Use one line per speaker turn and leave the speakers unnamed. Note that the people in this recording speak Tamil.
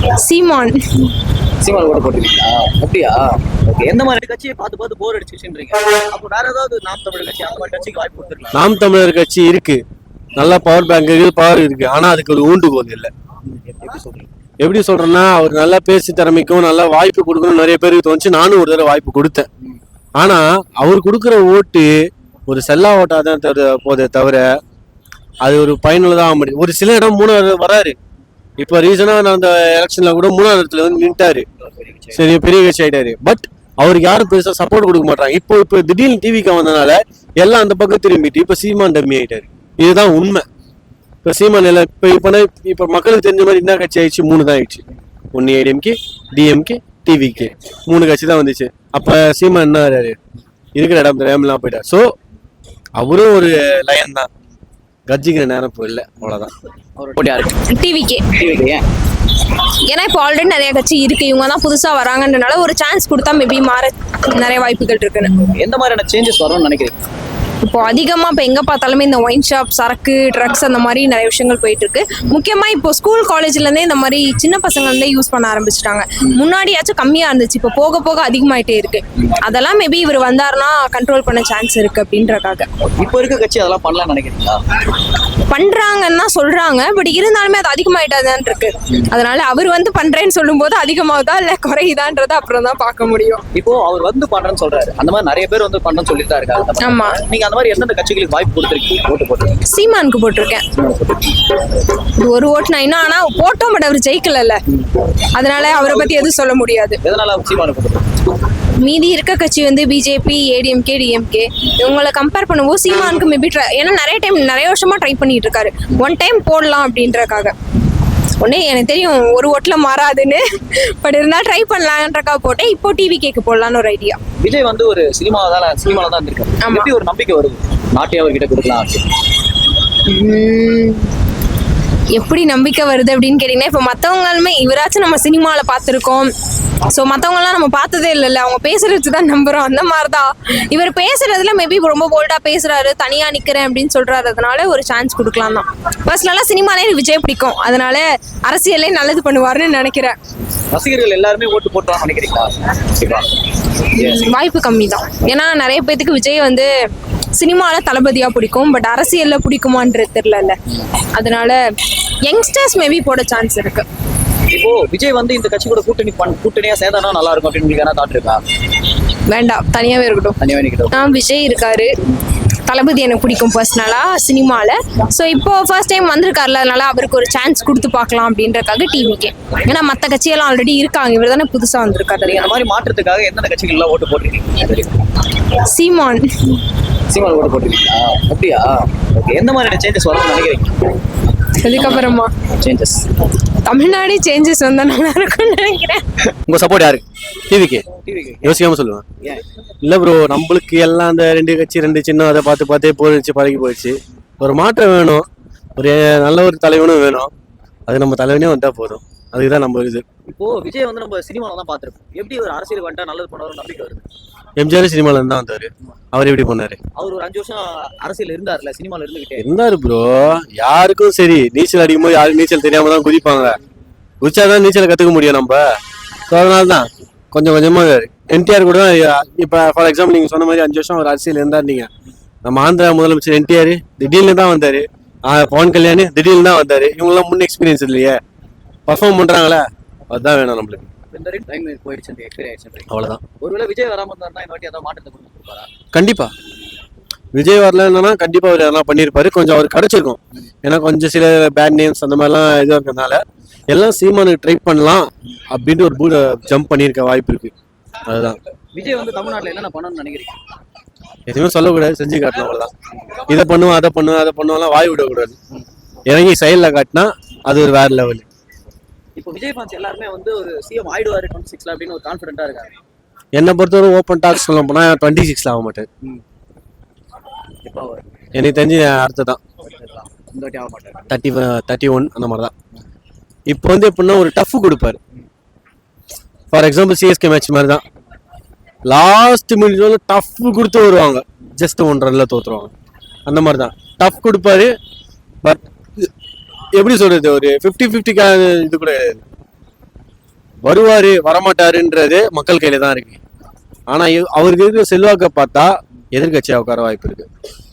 சீமான்.
சீமான் ஓட்டு போட்டுருக்கீங்களா? அப்படியா? ஓகே. எந்த மாதிரி கட்சியை பார்த்து பார்த்து போர் அடிச்சுன்றீங்க? அப்போ வேற ஏதாவது நாம் தமிழர் கட்சி அந்த மாதிரி கட்சிக்கு வாய்ப்பு கொடுத்துருக்கலாம்.
நாம் தமிழர் கட்சி இருக்கு, நல்லா பவர் பேங்க் இருக்கு, பவர் இருக்கு. ஆனா அதுக்கு ஒரு ஊண்டுகோல் இல்லை.
எப்படி சொல்றீங்க?
எப்படி சொல்றேன்னா, அவர் நல்லா பேசி திறமைக்கும் நல்லா வாய்ப்பு கொடுக்கணும் நிறைய பேருக்கு தோணுச்சு. நானும் ஒரு தடவை வாய்ப்பு கொடுத்தேன். ஆனா அவர் கொடுக்குற ஓட்டு ஒரு செல்லா ஓட்டா தான் போதே தவிர அது ஒரு பயனுள்ளதாக ஆக முடியும். ஒரு சில இடம் 3வது வராரு. இப்ப ரீசனா நான் அந்த எலெக்ஷன்ல கூட 3வது இடத்துல வந்து நின்ட்டாரு. சரி, பெரிய கட்சி ஆயிட்டாரு. பட் அவருக்கு யாரும் பெருசா சப்போர்ட் கொடுக்க மாட்டாங்க. இப்போ திடீர்னு டிவிக்கு வந்தனால எல்லாம் அந்த பக்கம் திரும்பிட்டு இப்ப சீமான் டம்மி ஆயிட்டாரு. இதுதான் உண்மை. இப்ப சீமான் எல்லாம் இப்ப மக்களுக்கு தெரிஞ்ச மாதிரி என்ன கட்சி ஆயிடுச்சு? 3 தான் ஆயிடுச்சு. ஒன்னு ஏடிஎம்கே, டிஎம்கே, டிவிகே, 3 கட்சி தான் வந்துச்சு. அப்ப சீமான் என்ன இருக்கிற இடம் தெரியாமலாம் போயிட்டார். ஸோ அவரும் ஒரு லயன் தான், கட்சிக்கிற நேரம் இப்போ இல்லை. அவ்வளோதான்.
டிவிகே. ஏன்னா இப்போ ஆல்ரெடி நிறைய கட்சி இருக்கு, இவங்க தான் புதுசா வராங்கன்றனால ஒரு சான்ஸ் கொடுத்தா மேபி மாற நிறைய வாய்ப்புகள் இருக்குன்னு.
எந்த மாதிரியான சேஞ்சஸ் வரும்னு நினைக்கிறீங்க?
இப்போ அதிகமா இப்போ எங்க பார்த்தாலுமே இந்த ஒயின் ஷாப், சரக்கு, ட்ரக்ஸ் அந்த மாதிரி நிறைய விஷயங்கள் போயிட்டு இருக்கு. முக்கியமா இப்போ ஸ்கூல் காலேஜ்ல இருந்தே இந்த மாதிரி சின்ன பசங்க இருந்தே யூஸ் பண்ண ஆரம்பிச்சிட்டாங்க. முன்னாடியாச்சும் கம்மியா இருந்துச்சு, இப்போ போக போக அதிகமாயிட்டே இருக்கு. அதெல்லாம் மேபி இவர் வந்தாருன்னா கண்ட்ரோல் பண்ண சான்ஸ் இருக்கு அப்படின்றக்காக.
இப்போ இருக்க கட்சி அதெல்லாம் பண்ணலாம்னு நினைக்கிறீங்களா?
பண்றாங்கன்னா சொல்றாங்க, பட் இருந்தாலுமே அது அதிகமாயிட்டாதான் இருக்கு. அதனால அவர் வந்து பண்றேன்னு சொல்லும் போது அதிகமாகுதா இல்ல குறையுதான்றத அப்புறம் தான் பார்க்க முடியும்.
இப்போ அவர் வந்து பண்றேன்னு சொல்றாரு, அந்த மாதிரி நிறைய பேர் வந்து பண்றேன்னு சொல்லிட்டு தான் இருக்காங்க.
ஆமா.
நீங்க அந்த மாதிரி எந்தெந்த கட்சிகளுக்கு வாய்ப்பு கொடுத்துருக்கீங்க? ஓட்டு போட்டுருக்கீங்க?
சீமானுக்கு போட்டிருக்கேன். ஒரு ஓட்டு நான் இன்னும், ஆனா போட்டோம், பட் அவர் ஜெயிக்கல, அதனால அவரை பத்தி எதுவும் சொல்ல முடியாது.
எதனால சீமானுக்கு போட்டுருக்கீங்க?
மீதி இருக்க கட்சி வந்து பிஜேபி, ஏடிஎம்கே, டிஎம்கே, இவங்களை கம்பேர் பண்ணும்போது சீமானுக்கு மேபி ஏன்னா நிறைய வருஷமா ட்ரை பண்ணிட்டு இருக்காரு. ஒன் டைம் போடலாம் அப்படின்றக்காக. ஒன்னே எனக்கு தெரியும் ஒரு ஓட்டுல மாறாதுன்னு, பட் இருந்தா ட்ரை பண்ணலான்றக்காக போட்டேன். இப்போ டிவி கேக்கு போடலான்னு ஒரு ஐடியா.
விஜய் வந்து ஒரு சினிமால தான் இருக்காரு. எப்படி ஒரு நம்பிக்கை வருது நாட்டை அவர்கிட்ட கொடுக்கலாம் அப்படின்னு?
எப்படி நம்பிக்கை வருது அப்படின்னு கேட்டீங்கன்னா, இப்போ மற்றவங்களுமே இவராச்சும் நம்ம சினிமாவில் பார்த்துருக்கோம். ஸோ மற்றவங்களாம் நம்ம பார்த்ததே இல்லைல்ல, அவங்க பேசுறது தான் நம்புறோம். அந்த மாதிரி தான் இவர் பேசுறதுல மேபி ரொம்ப போல்டாக பேசுறாரு, தனியாக நிற்கிறேன் அப்படின்னு சொல்றாரு. அதனால ஒரு சான்ஸ் கொடுக்கலாம் தான். பர்சனலாக சினிமாலே விஜய் பிடிக்கும், அதனால அரசியலே நல்லது பண்ணுவாருன்னு நினைக்கிறேன்.
ரசிகர்கள் எல்லாருமே ஓட்டு போட்டுவாங்க நினைக்கிறீங்களா?
வாய்ப்பு கம்மி தான். ஏன்னா நிறைய பேத்துக்கு விஜய் வந்து சினிமாவில் தளபதியாக பிடிக்கும், பட் அரசியலில் பிடிக்குமான்றது தெரியல. அதனால யங்ஸ்டர்ஸ் மேபி போட சான்ஸ் இருக்கு.
இப்போ விஜய் வந்து இந்த கட்சி கூட கூட்டணியா சேர்ந்தானா நல்லா இருக்கும் அப்படின்னு உங்களுக்கு என்ன தாட் இருக்கா?
வேண்டாம், தனியாவே இருக்கட்டும். விஜய் இருக்காரு, தளபதி எனக்கு பிடிக்கும் பர்சனலா சினிமாவில். ஸோ இப்போ ஃபர்ஸ்ட் டைம் வந்திருக்காருல, அதனால அவருக்கு ஒரு சான்ஸ் கொடுத்து பார்க்கலாம் அப்படின்றக்காக டிவிக்கே. ஏன்னா மற்ற கட்சியெல்லாம் ஆல்ரெடி இருக்காங்க, இவர் தானே புதுசாக வந்திருக்காரு.
அந்த மாதிரி மாற்றத்துக்காக எந்தெந்த கட்சிகள்லாம் ஓட்டு போட்டிருக்கீங்க?
சீமான்
ஓட்டு போட்டிருக்கீங்களா? அப்படியா? ஓகே. எந்த மாதிரியான சேஞ்சஸ் வரும்னு நினைக்கிறீங்க?
அதுக்கப்புறமா சேஞ்சஸ் தமிழ்நாடு சேஞ்சஸ் வந்தா நல்லா இருக்கும்னு நினைக்கிறேன்.
உங்க சப்போர்ட் யாரு? டிவிக்கு. யோசிக்காம சொல்லுவேன். இல்ல ப்ரோ, நம்மளுக்கு எல்லாம் அந்த 2 கட்சி 2 சின்னம் அதை பார்த்து பார்த்தே போயிடுச்சு, பழகி போயிடுச்சு. ஒரு மாற்றம் வேணும், ஒரு நல்ல ஒரு தலைவனும் வேணும். அது நம்ம தலைவனே வந்தா போதும், அதுக்குதான் நம்ம இது.
இப்போ விஜய் வந்து நம்ம சினிமாவில் தான் பார்த்துருக்கோம். எப்படி ஒரு அரசியல் வந்துட்டா நல்லது பண்ணுவார் நம்பிக்கை வருது?
எம்ஜிஆர் சினிமால இருந்தா வந்தாரு. அவர் எப்படி பண்ணாரு?
அவர் ஒரு 5 வருஷம் அரசியல் இருந்தாருல, சினிமால
இருந்தாரு ப்ரோ. யாருக்கும் சரி, நீச்சல் அடிக்கும்போது யாரும் நீச்சல் தெரியாம தான் குதிப்பாங்க. குதிச்சாதான் நீச்சலை கத்துக்க முடியும் நம்ம. அதனால்தான் கொஞ்சம் கொஞ்சமா என்டிஆர் கூட இப்ப ஃபார் எக்ஸாம்பிள் நீங்க சொன்ன மாதிரி 5 வருஷம் அவர் அரசியல் இருந்தாருங்க. நம்ம ஆந்திரா முதலமைச்சர் என்டிஆர் திடீர்னு தான் வந்தாரு. பவன் கல்யாண் திடீர்னு தான் வந்தாரு. இவங்கெல்லாம் முன் எக்ஸ்பீரியன்ஸ் இல்லையே, பர்ஃபார்ம் பண்றாங்களே, அதுதான் வேணும் நம்மளுக்கு. அவ்வளவுதான்.
ஒருவேளை விஜய் வராம இருந்தாருன்னா இந்த வாட்டி ஏதாவது மாற்றத்தை கொடுப்பாரா?
கண்டிப்பா. விஜய் வரலன்னா கண்டிப்பா அவர் எதனா பண்ணியிருப்பாரு, கொஞ்சம் அவர் கிடைச்சிருக்கும். ஏன்னா கொஞ்சம் சில பேட் நேம்ஸ் அந்த மாதிரிலாம் இதுவாக இருக்கிறதுனால எல்லாம் சீமானுக்கு ட்ரை பண்ணலாம் அப்படின்ட்டு ஒரு ஜம்ப் பண்ணியிருக்க வாய்ப்பு இருக்கு. அதுதான்.
விஜய் வந்து தமிழ்நாட்டில் என்னென்ன பண்ணணும்னு நினைக்கிறீங்க?
எதுவுமே சொல்லக்கூடாது, செஞ்சு காட்டணும், அவ்வளவுதான். இதை பண்ணுவோம், அதை பண்ணுவோம் வாய் விடக்கூடாது. இறங்கி சைடில் காட்டினா அது ஒரு வேற லெவல்.
இப்போ விஜய் ஃபேன்ஸ் எல்லாருமே வந்து ஒரு சிஎம் ஆயிடுவாரு 26ல அப்படின்னு ஒரு கான்ஃபிடென்ட்டா இருக்காங்க.
என்னை பொறுத்தவரை ஓப்பன் டாக்ஸ் சொல்ல போனா 26ல ஆக மாட்டேன். எனக்கு தெரிஞ்சு அடுத்த தான் 31 அந்த மாதிரி தான். இப்போ வந்து எப்படின்னா ஒரு டஃப் கொடுப்பாரு. ஃபார் எக்ஸாம்பிள் சிஎஸ்கே மேட்ச் மாதிரி தான், லாஸ்ட் மினிட்ல டஃப் கொடுத்து வருவாங்க, ஜஸ்ட் 1 ரன்ல தோத்துருவாங்க. அந்த மாதிரி தான் டஃப் கொடுப்பாரு. பட் எப்படி சொல்றது, ஒரு 50-50 இது கூட வருவாரு வரமாட்டாருன்றது மக்கள் கையில தான் இருக்கு. ஆனா அவருக்கு இருக்கிற செல்வாக்கை பார்த்தா எதிர்கட்சியா உட்கார வாய்ப்பு இருக்கு.